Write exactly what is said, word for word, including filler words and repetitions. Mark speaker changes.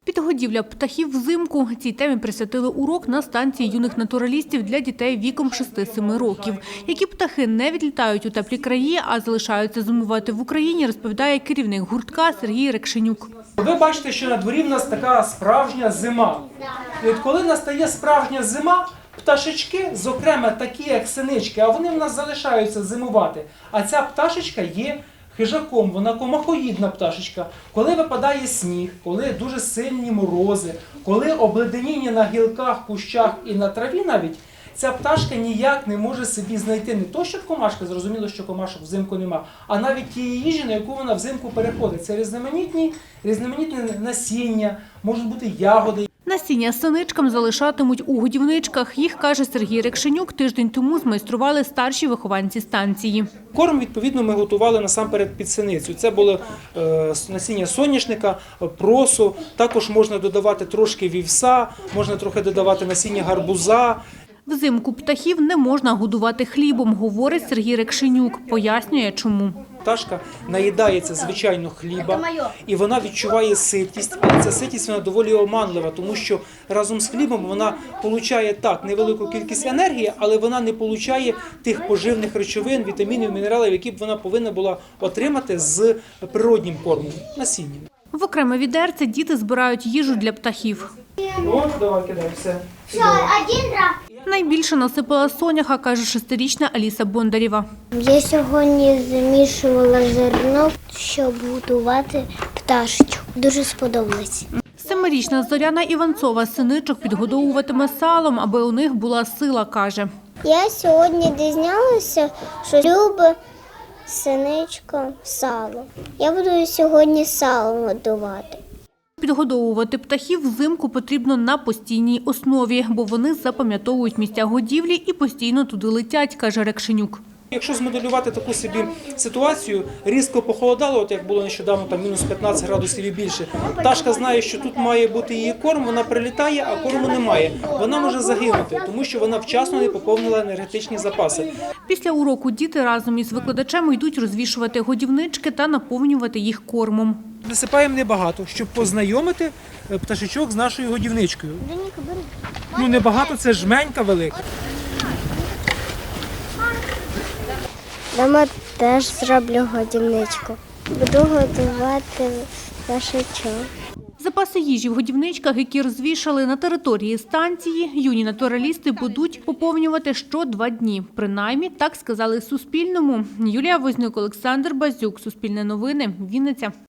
Speaker 1: Підгодівля птахів взимку. Цій темі присвятили урок на станції юних натуралістів для дітей віком шести-семи років. Які птахи не відлітають у теплі краї, а залишаються зимувати в Україні, розповідає керівник гуртка Сергій Рекшенюк.
Speaker 2: Ви бачите, що на дворі в нас така справжня зима. І от коли настає справжня зима, пташечки, зокрема такі, як синички, а вони в нас залишаються зимувати. А ця пташечка є хижаком, вона комахоїдна пташечка. Коли випадає сніг, коли дуже сильні морози, коли обледеніння на гілках, кущах і на траві навіть, ця пташка ніяк не може собі знайти не то, щоб комашка, зрозуміло, що комашок взимку нема, а навіть тієї їжі, на яку вона взимку переходить. Це різноманітні, різноманітні насіння, можуть бути ягоди.
Speaker 1: Насіння синичкам залишатимуть у годівничках. Їх, каже Сергій Рекшенюк, тиждень тому змайстрували старші вихованці станції.
Speaker 2: Корм, відповідно, ми готували насамперед під синицю. Це було е, насіння соняшника, просу, також можна додавати трошки вівса, можна трохи додавати насіння гарбуза.
Speaker 1: Взимку птахів не можна годувати хлібом, говорить Сергій Рекшенюк. Пояснює, чому.
Speaker 2: Пташка наїдається, звичайно, хліба, і вона відчуває ситість, але ця ситість вона доволі оманлива, тому що разом з хлібом вона отримує так невелику кількість енергії, але вона не отримує тих поживних речовин, вітамінів, мінералів, які б вона повинна була отримати з природнім кормом, насінням.
Speaker 1: В окреме відерце діти збирають їжу для птахів.
Speaker 2: О, давай, кидай, все.
Speaker 3: Все, один раз.
Speaker 1: Найбільше насипала соняха, каже шестирічна Аліса Бондарєва.
Speaker 3: Я сьогодні замішувала зерно, щоб готувати пташечку. Дуже сподобалось.
Speaker 1: Семирічна Зоряна Іванцова синичок підгодовуватиме салом, аби у них була сила, каже.
Speaker 3: Я сьогодні дізналася, що любить синичка сало. Я буду сьогодні салом готувати.
Speaker 1: Підгодовувати птахів взимку потрібно на постійній основі, бо вони запам'ятовують місця годівлі і постійно туди летять, каже Рекшенюк.
Speaker 2: Якщо змоделювати таку собі ситуацію, різко похолодало, от як було нещодавно, там мінус п'ятнадцять градусів і більше, пташка знає, що тут має бути її корм, вона прилітає, а корму немає. Вона може загинути, тому що вона вчасно не поповнила енергетичні запаси.
Speaker 1: Після уроку діти разом із викладачем йдуть розвішувати годівнички та наповнювати їх кормом.
Speaker 2: Насипаємо небагато, щоб познайомити пташечок з нашою годівничкою. Ну, небагато, це жменька велика.
Speaker 3: Дома теж зроблю годівничку. Буду готувати пташечок.
Speaker 1: Запаси їжі в годівничках, які розвішали на території станції, юні натуралісти будуть поповнювати що два дні. Принаймні, так сказали Суспільному. Юлія Вознюк, Олександр Базюк, Суспільне новини, Вінниця.